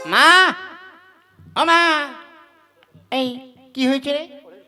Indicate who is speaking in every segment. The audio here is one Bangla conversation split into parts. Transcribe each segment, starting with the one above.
Speaker 1: মা, ও মা, এই কি হয়েছে রে?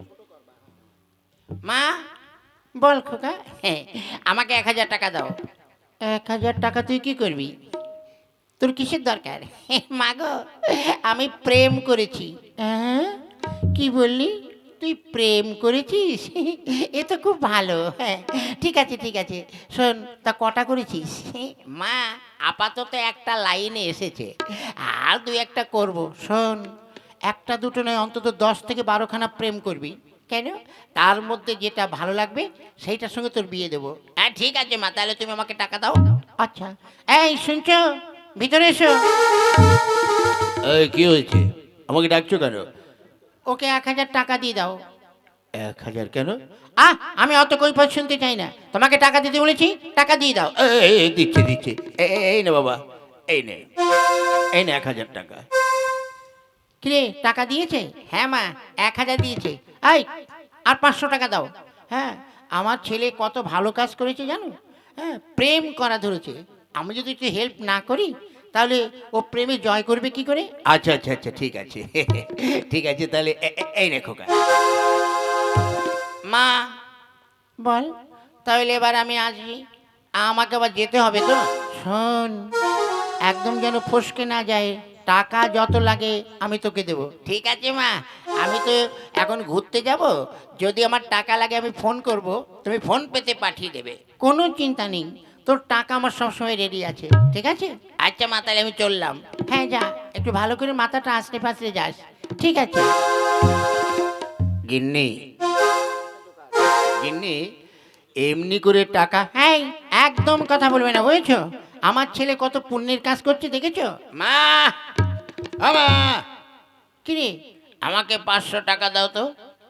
Speaker 1: মা, বল খোকা। হ্যাঁ, আমাকে 1,000 টাকা দাও। 1,000 টাকা তুই কি করবি? তোর কিসের দরকার? মা গো, আমি প্রেম করেছি। হ্যাঁ, কি বললি? তুই প্রেম করেছিস? এ তো খুব ভালো। হ্যাঁ, ঠিক আছে ঠিক আছে। শোন, তা কটা করেছিস? মা, আপাতত একটা লাইনে এসেছে, আর 2-1টা করব। শোন, একটা দুটো নয়, অন্তত 10 থেকে 12খানা প্রেম করবি। কেন? তার মধ্যে যেটা ভালো লাগবে সেইটার সঙ্গে তোর বিয়ে দেবো। হ্যাঁ ঠিক আছে মা, তাহলে তুমি আমাকে টাকা দাও। আচ্ছা, এই শুনছো? ভিতরে এসো।
Speaker 2: এই কি হয়েছে? আমাকে ডাকছো কেন?
Speaker 1: ওকে 1,000 টাকা দিয়ে দাও।
Speaker 2: 1,000 কেন?
Speaker 1: আমি অত কৈফিয়ত শুনতে চাই না। তোমাকে টাকা দিতে বলেছি, টাকা দিয়ে দাও।
Speaker 2: দিচ্ছে দিচ্ছে। এই না বাবা, এই নে, এই না 1,000 টাকা।
Speaker 1: কিরে, টাকা দিয়েছে? হ্যাঁ মা, 1,000 দিয়েছে। এই, আর 500 টাকা দাও। হ্যাঁ, আমার ছেলে কত ভালো কাজ করেছে জানো? হ্যাঁ, প্রেম করা ধরেছে। আমি যদি একটু হেল্প না করি তাহলে ও প্রেমে জয় করবে কি করে?
Speaker 2: আচ্ছা আচ্ছা আচ্ছা, ঠিক আছে। ঠিক আছে, তাহলে এই নে খোকা।
Speaker 1: মা, বল, তাহলে এবার আমি আসি। আমাকে আবার যেতে হবে তো। শোন, একদম যেন ফসকে না যায়। টাকা যত লাগে আমি তোকে দেবো। ঠিক আছে মা, আমি তো এখন ঘুরতে যাব। যদি আমার টাকা লাগে আমি ফোন করব, তুমি ফোন পেতে পাঠিয়ে দেবে। কোনো চিন্তা নেই, তোর টাকা আমার সবসময় রেডি আছে। ঠিক আছে? আচ্ছা মা, তাহলে আমি চললাম। হ্যাঁ যা, একটু ভালো করে মাথাটা আস্তে ফাসতে যাস। ঠিক আছে।
Speaker 2: গিন্নি, গিন্নি, এমনি করে টাকা?
Speaker 1: হ্যাঁ, একদম কথা বলবে না, বুঝেছো? আমার ছেলে কত পুণ্যের কাজ করছে দেখেছো?
Speaker 2: মা, ও মা,
Speaker 1: কিরে,
Speaker 2: আমাকে 500 টাকা দাও তো।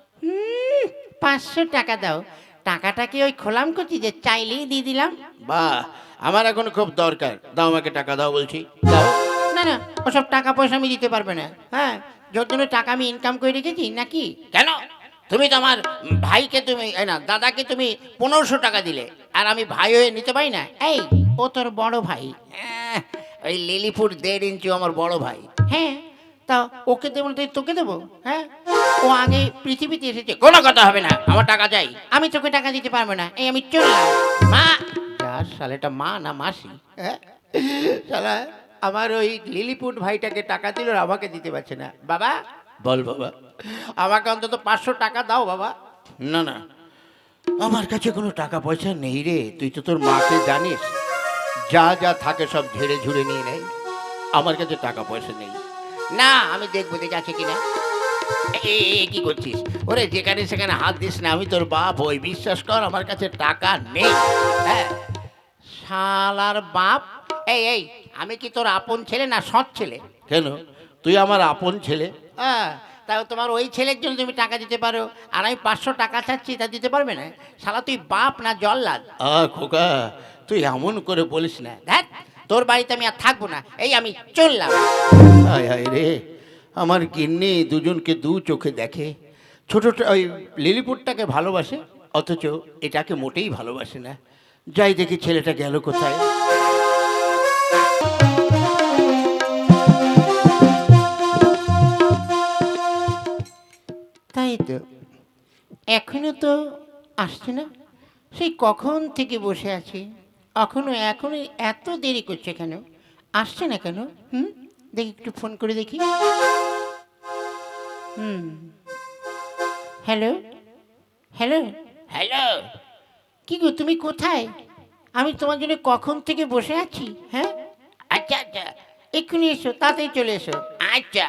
Speaker 1: 500 টাকা দাও? টাকাটা কি ওই খোলাম করছি যে চাইলেই দিয়ে দিলাম?
Speaker 2: বাহ, আমার এখন খুব দরকার, দাও আমাকে টাকা দাও বলছি, দাও।
Speaker 1: না না, ওসব টাকা পয়সা আমি দিতে পারবে না। হ্যাঁ, যত জন্য টাকা আমি ইনকাম করে রেখেছি নাকি?
Speaker 2: কেন? তুমি তো আমার ভাইকে, তুমি এই না দাদাকে তুমি 1500 টাকা দিলে,
Speaker 1: আর আমি ভাই হয়ে নিতে পারি না? এই, ও তোর বড় ভাই।
Speaker 2: আহ, ওই লিলিপুর 1.5 ইঞ্চি আমার বড় ভাই।
Speaker 1: হ্যাঁ, তা ওকে দেবো না তাই তোকে দেবো? হ্যাঁ, ও আগে পৃথিবীতে এসেছে।
Speaker 2: কোনো কথা হবে না, আমার টাকা চাই।
Speaker 1: আমি তোকে টাকা দিতে পারবো না, এই আমি চললাম। মা, যার শালেটা মা না মাসি? হ্যাঁ, শালা আমার ওই লিলিপুট ভাইটাকে টাকা দিল আর আমাকে দিতে পারছে না। বাবা,
Speaker 2: বল বাবা।
Speaker 1: আমাকে অন্তত 500 টাকা দাও বাবা।
Speaker 2: না না, আমার কাছে কোনো টাকা পয়সা নেই রে। তুই তো তোর মাকে জানিস, যা যা থাকে সব ঝেড়ে ঝুড়ে নিয়ে নেয়। আমার কাছে টাকা পয়সা নেই।
Speaker 1: না, আমি দেখবো দেখে আছে কিনা।
Speaker 2: কি করছিস? ওরে, যেখানে সেখানে হাত দিস না, আমি তোর বাপ ওই, বিশ্বাস কর আমার কাছে টাকা নেই।
Speaker 1: হ্যাঁ, শালার বাপ। এই, আমি কি তোর আপন ছেলে না সৎ ছেলে?
Speaker 2: কেন? তুই আমার আপন ছেলে।
Speaker 1: হ্যাঁ, তাও তোমার ওই ছেলের জন্য তুমি টাকা দিতে পারো, আর আমি 500 টাকা চাচ্ছি, তা দিতে পারবে না? শালা তুই বাপ না জল্লাদ?
Speaker 2: খোকা, তুই এমন করে বলিস না।
Speaker 1: ধ্যাৎ, তোর বাড়িতে আমি আর থাকবো না, এই আমি চললাম।
Speaker 2: হায় হায় রে, আমার গিন্নি দুজনকে দু চোখে দেখে। ওই লিলিপুটটাকে ভালোবাসে, অথচ এটাকে মোটেই ভালোবাসে না। যাই দেখি ছেলেটা গেল কোথায়।
Speaker 1: তাই তো, এখনো তো আসছে না। সেই কখন থেকে বসে আছি, এখনো এত দেরি করছে কেন? আসছে না কেন? দেখি একটু ফোন করে দেখি। Hello, hello.
Speaker 2: হ্যালো।
Speaker 1: কি গো, তুমি কোথায়? আমি তোমার জন্য কখন থেকে বসে আছি। হ্যাঁ,
Speaker 2: আচ্ছা আচ্ছা।
Speaker 1: এক্ষুনি এসো, তাড়াতাড়ি চলে এসো।
Speaker 2: আচ্ছা।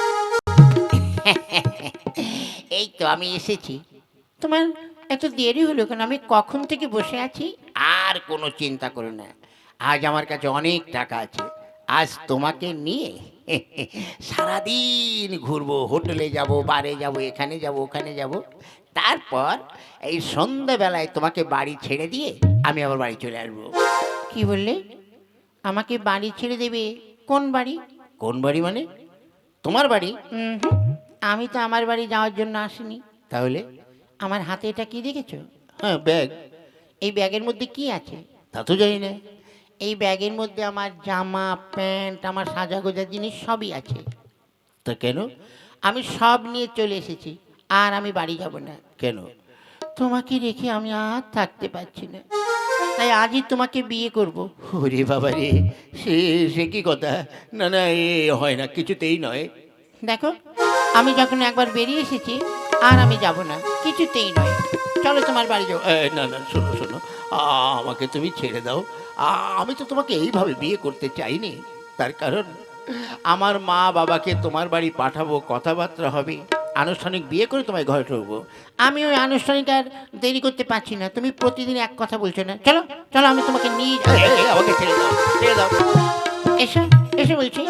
Speaker 1: এই তো আমি এসেছি। তোমার এত দেরি হলো কেন? আমি কখন থেকে বসে আছি।
Speaker 2: আর কোনো চিন্তা করো না, আজ আমার কাছে অনেক টাকা আছে। আজ তোমাকে নিয়ে সারাদিন ঘুরবো, হোটেলে যাব, বারে যাব, এখানে যাব, ওখানে যাব। তারপর এই সন্ধ্যাবেলায় তোমাকে বাড়ি ছেড়ে দিয়ে আমি আবার বাড়ি চলে আসবো।
Speaker 1: কি বললে? আমাকে বাড়ি ছেড়ে দেবে? কোন বাড়ি?
Speaker 2: কোন বাড়ি মানে? তোমার বাড়ি।
Speaker 1: হুম, আমি তো আমার বাড়ি যাওয়ার জন্য আসিনি।
Speaker 2: তাহলে?
Speaker 1: আমার হাতে এটা কি দেখেছো?
Speaker 2: হ্যাঁ, ব্যাগ।
Speaker 1: এই ব্যাগের মধ্যে কি আছে?
Speaker 2: তা তো জানি না।
Speaker 1: এই ব্যাগের মধ্যে আমার জামা প্যান্ট আমার সাজাগোজা জিনিস সবই আছে।
Speaker 2: তা কেন?
Speaker 1: আমি সব নিয়ে চলে এসেছি, আর আমি বাড়ি যাব না।
Speaker 2: কেন?
Speaker 1: তোমাকে রেখে আমি আর থাকতে পারছি না, তাই আজই তোমাকে বিয়ে করব।
Speaker 2: ওরে বাবা রে, সে সে কি কথা! না না, এ হয় না, কিছুতেই নয়।
Speaker 1: দেখো, আমি যখন একবার বেরিয়ে এসেছি আর আমি যাব না, কিছুতেই নয়। চলো তোমার বাড়ি যাও।
Speaker 2: না না, শোনো শোনো, আমাকে তুমি ছেড়ে দাও। আমি তো তোমাকে এইভাবে বিয়ে করতে চাইনি। তার কারণ আমার মা বাবাকে তোমার বাড়ি পাঠাবো, কথাবার্তা হবে, আনুষ্ঠানিক বিয়ে করে তোমায় ঘরে ঢুকবো।
Speaker 1: আমি ওই আনুষ্ঠানিক আর দেরি করতে পারছি না। তুমি প্রতিদিন এক কথা বলছো না। চলো চলো, আমি তোমাকে নিয়ে
Speaker 2: আমাকে ছেড়ে দাও, ছেড়ে দাও।
Speaker 1: এসো এসো বলছি।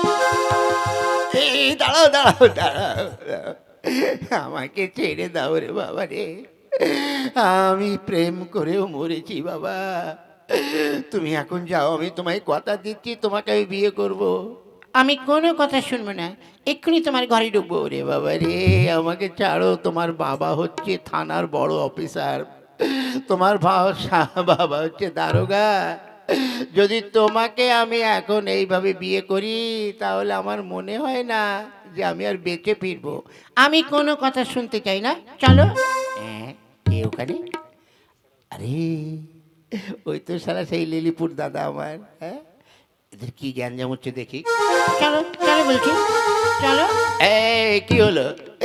Speaker 2: দাঁড়াও দাঁড়াও দাঁড়াও, আমাকে ছেড়ে দাও রে বাবা রে। আমি প্রেম করেও মরেছি বাবা। তুমি এখন যাও, আমি তোমায় কথা দিচ্ছি, তোমাকে আমি বিয়ে করব।
Speaker 1: আমি কোনো কথা শুনবো না, এক্ষুনি তোমার ঘরে ঢুকবো।
Speaker 2: ওরে বাবা রে, আমাকে ছাড়ো। তোমার বাবা হচ্ছে থানার বড় অফিসার, তোমার বাবা হচ্ছে দারোগা। যদি তোমাকে আমি এখন এইভাবে বিয়ে করি, তাহলে আমার মনে হয় না যে আমি আর বেঁচে ফিরবো।
Speaker 1: আমি কোনো কথা শুনতে চাই না, চলো।
Speaker 2: হ্যাঁ, কে ওখানে? আরে, ওই তো সারা সেই লিলিপুর দাদা আমার। হ্যাঁ, এদের কি গ্যাঞ্জাম হচ্ছে দেখি।
Speaker 1: চলো চলো বলছি, চলো।
Speaker 2: এই কি হলো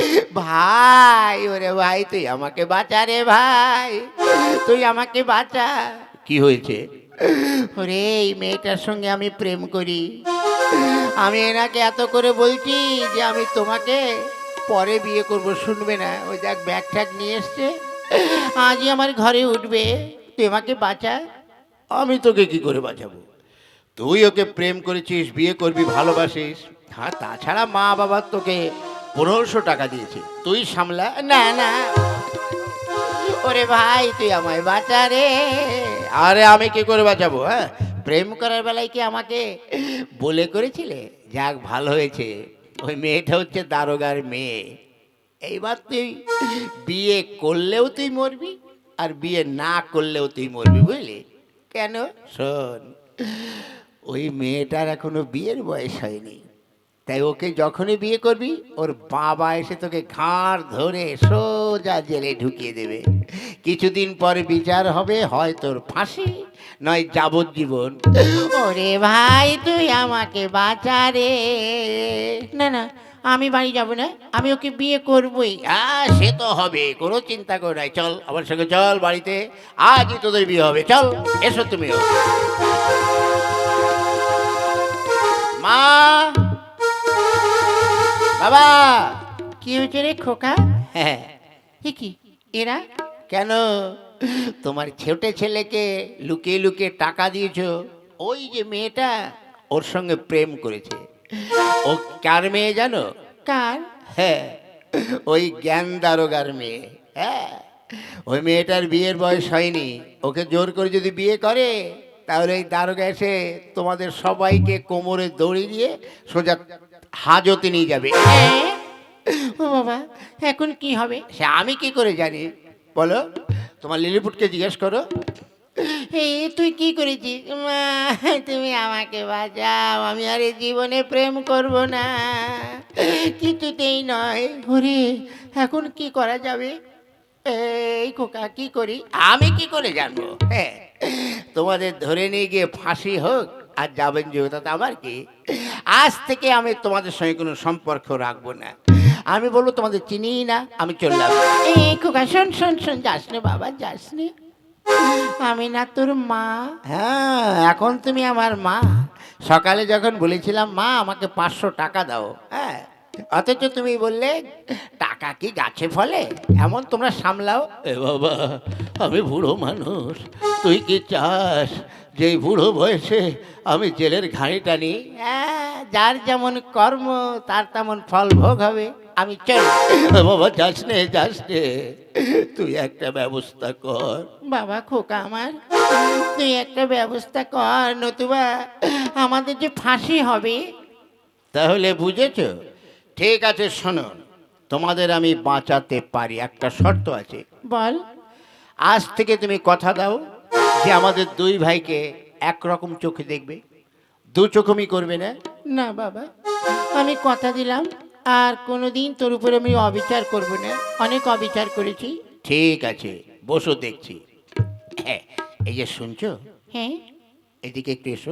Speaker 2: ভাই? ওরে ভাই, তুই আমাকে বাঁচা রে ভাই, তুই আমাকে বাঁচা। কি হয়েছে?
Speaker 1: ওরে, এই মেয়েটার সঙ্গে আমি প্রেম করি। আমি এনাকে এত করে বলছি যে আমি তোমাকে পরে বিয়ে করব, শুনবে না। ওই দেখ ব্যাগ ট্যাগ নিয়ে এসছে, আজই আমার ঘরে উঠবে। তুই আমাকে বাঁচা।
Speaker 2: আমি তোকে কি করে বাঁচাবো? তুই ওকে প্রেম করেছিস, বিয়ে করবি, ভালোবাসিস। হ্যাঁ, তাছাড়া মা বাবা তোকে 1500 টাকা দিয়েছে, তুই সামলা।
Speaker 1: না না, ওরে ভাই তুই আমায় বাঁচা রে।
Speaker 2: আরে আমি কি করে বাঁচাবো? হ্যাঁ,
Speaker 1: প্রেম করার বেলায় কি আমাকে
Speaker 2: বলে করেছিলে? যাক, ভালো হয়েছে। ওই মেয়েটা হচ্ছে দারোগার মেয়ে। এইবার তুই বিয়ে করলেও তুই মরবি, আর বিয়ে না করলেও তুই মরবি, বুঝলি? কেন? শোন, ওই মেয়েটার এখনো বিয়ের বয়স হয়নি, তাই ওকে যখনই বিয়ে করবি, ওর বাবা এসে তোকে ঘাড় ধরে সোজা জেলে ঢুকিয়ে দেবে। কিছুদিন পরে বিচার হবে, হয় তোর ফাঁসি, নয় যাবজ্জীবন।
Speaker 1: ওরে ভাই তুই আমাকে বাঁচা রে। না না, আমি বাড়ি যাব না, আমি ওকে বিয়ে করবই।
Speaker 2: সে তো হবে, কোনো চিন্তা করো নাই। চল আমার সঙ্গে, চল বাড়িতে, আজই তোদের বিয়ে হবে। চল, এসো তুমিও। মা, বাবা।
Speaker 1: কি হয়েছে রে খোকা?
Speaker 2: হ্যাঁ।
Speaker 1: এ কি এরা?
Speaker 2: কেন? তোমার ছোটে ছেলেকে লুকিয়ে লুকিয়ে টাকা দিয়েছো। ওই যে মেয়েটা ওর সঙ্গে প্রেম করেছে। ও কার মেয়ে জানো?
Speaker 1: কার?
Speaker 2: হ্যাঁ, ওই জ্ঞান দারোগার মেয়ে। হ্যাঁ, ওই মেয়েটার বিয়ের বয়স হয়নি। ওকে জোর করে যদি বিয়ে করে, তাহলে এই দারোগা এসে তোমাদের সবাইকে কোমরে দড়ি দিয়ে সোজা হাজতে নিয়ে যাবে।
Speaker 1: হ্যাঁ? ও বাবা, এখন কি হবে?
Speaker 2: সে আমি কি করে জানি? বলো, তোমার লিলিপুটকে জিজ্ঞেস করো।
Speaker 1: এই তুই কি করেছিস? মা, তুমি আমাকে বাঁচাও, আমি আর এই জীবনে প্রেম করব না, কিছুতেই নয়। ওরে, এখন কি করা যাবে? এই খোকা, কি করি?
Speaker 2: আমি কি করে জানবো? হ্যাঁ, তোমাদের ধরে নিয়ে গিয়ে ফাঁসি হোক আর যাবেন যে, তাতে আমার কি? আজ থেকে আমি তোমাদের সঙ্গে কোনো সম্পর্ক রাখবো না। আমি বলবো তোমাদের চিনিই না, আমি চললাম।
Speaker 1: এই খোকা, শোন শোন শোন, যাস নে বাবা, যাস নে। আমি না তোর মা?
Speaker 2: হ্যাঁ, এখন তুমি আমার মা। সকালে যখন বলেছিলাম মা আমাকে 500 টাকা দাও, হ্যাঁ, অথচ তুমি বললে টাকা কি গাছে ফলে, এমন তোমরা সামলাও। এ বাবা, আমি বুড়ো মানুষ, তুই কি চাস যে এই বুড়ো বয়সে আমি জেলের ঘাড়ি টানি?
Speaker 1: হ্যাঁ, যার যেমন কর্ম তার তেমন ফল ভোগ হবে। আমি চল।
Speaker 2: বাবা, যাস নে, যাস নে, তুই একটা ব্যবস্থা কর।
Speaker 1: বাবা খোকা আমার, তুই একটা ব্যবস্থা কর, নতুবা আমাদের যে ফাঁসি হবে।
Speaker 2: তাহলে বুঝেছো? ঠিক আছে, শোনো, তোমাদের আমি বাঁচাতে পারি, একটা শর্ত আছে।
Speaker 1: বল।
Speaker 2: আজ থেকে তুমি কথা দাও যে আমাদের দুই ভাইকে একরকম চোখে দেখবে, দু চোখমি করবে না।
Speaker 1: না বাবা, আমি কথা দিলাম আর কোনোদিন তোর উপরে আমি অবিচার করব না। অনেক অবিচার করেছি।
Speaker 2: ঠিক আছে, বসো দেখছি। হ্যাঁ, এই যে শুনছো,
Speaker 1: হ্যাঁ।
Speaker 2: এদিকে একটু এসো।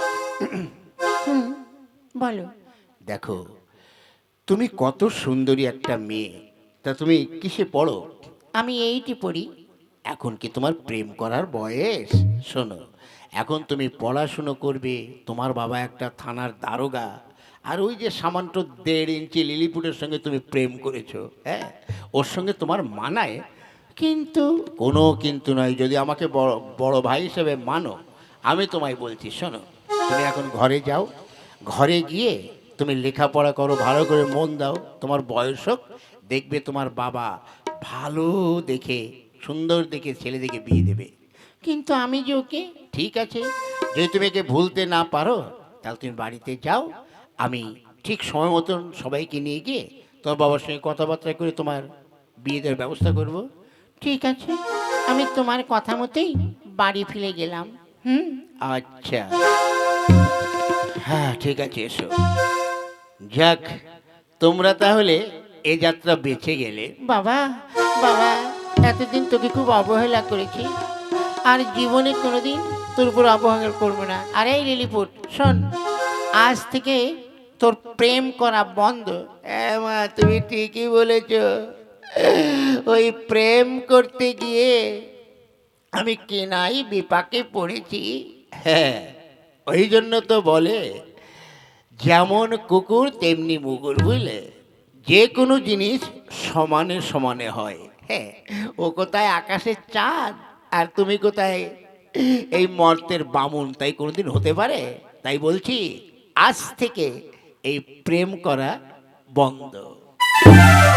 Speaker 1: হুম, বলো।
Speaker 2: দেখো, তুমি কত সুন্দরী একটা মেয়ে, তা তুমি কিসে পড়ো?
Speaker 1: আমি এইটি পড়ি।
Speaker 2: এখন কি তোমার প্রেম করার বয়স? শোনো, এখন তুমি পড়াশুনো করবে, তোমার বাবা একটা থানার দারোগা, আর ওই যে সামান্য 1.5 ইঞ্চি লিলিপুটের সঙ্গে তুমি প্রেম করেছো, হ্যাঁ, ওর সঙ্গে তোমার মানায়?
Speaker 1: কিন্তু
Speaker 2: কোনো কিন্তু নয়, যদি আমাকে বড় বড় ভাই হিসেবে মানো, আমি তোমায় বলছি, শোনো, তুমি এখন ঘরে যাও, ঘরে গিয়ে তুমি লেখাপড়া করো, ভালো করে মন দাও, তোমার বয়স হোক, দেখবে তোমার বাবা ভালো দেখে, সুন্দর দেখে ছেলে দেখে বিয়ে দেবে।
Speaker 1: কিন্তু আমি যে ওকে।
Speaker 2: ঠিক আছে, যদি তুমি একে ভুলতে না পারো, তাহলে তুমি বাড়িতে যাও, আমি ঠিক সময় মতন সবাইকে নিয়ে গিয়ে তোমার বাবার সঙ্গে কথাবার্তা করে তোমার বিয়ে দেওয়ার ব্যবস্থা করব।
Speaker 1: ঠিক আছে, আমি তোমার কথা মতোই বাড়ি ফিরে গেলাম। হুম।
Speaker 2: আচ্ছা, হ্যাঁ ঠিক আছে, এসো। যাক, তোমরা তাহলে এ যাত্রা বেঁচে গেলে।
Speaker 1: বাবা, বাবা, এতদিন তোকে খুব অবহেলা করেছি, আর জীবনে কোনোদিন তোর উপর অবহেলা করবো না। আর এই লিলিপুট শোন, আজ থেকে তোর প্রেম করা বন্ধ।
Speaker 2: হ্যাঁ মা, তুমি ঠিকই বলেছ। ওই প্রেম করতে গিয়ে আমি কেনাই বিপাকে পড়েছি। হ্যাঁ, ওই জন্য তো বলে, যেমন কুকুর তেমনি মুগুর, বুঝলে? যে কোনো জিনিস সমানে সমানে হয়। হ্যাঁ, ও কোথায় আকাশের চাঁদ, আর তুমি কোথায় এই মর্তের বামুন, তাই কোনোদিন হতে পারে? তাই বলছি, আজ থেকে এই প্রেম করা বন্ধ।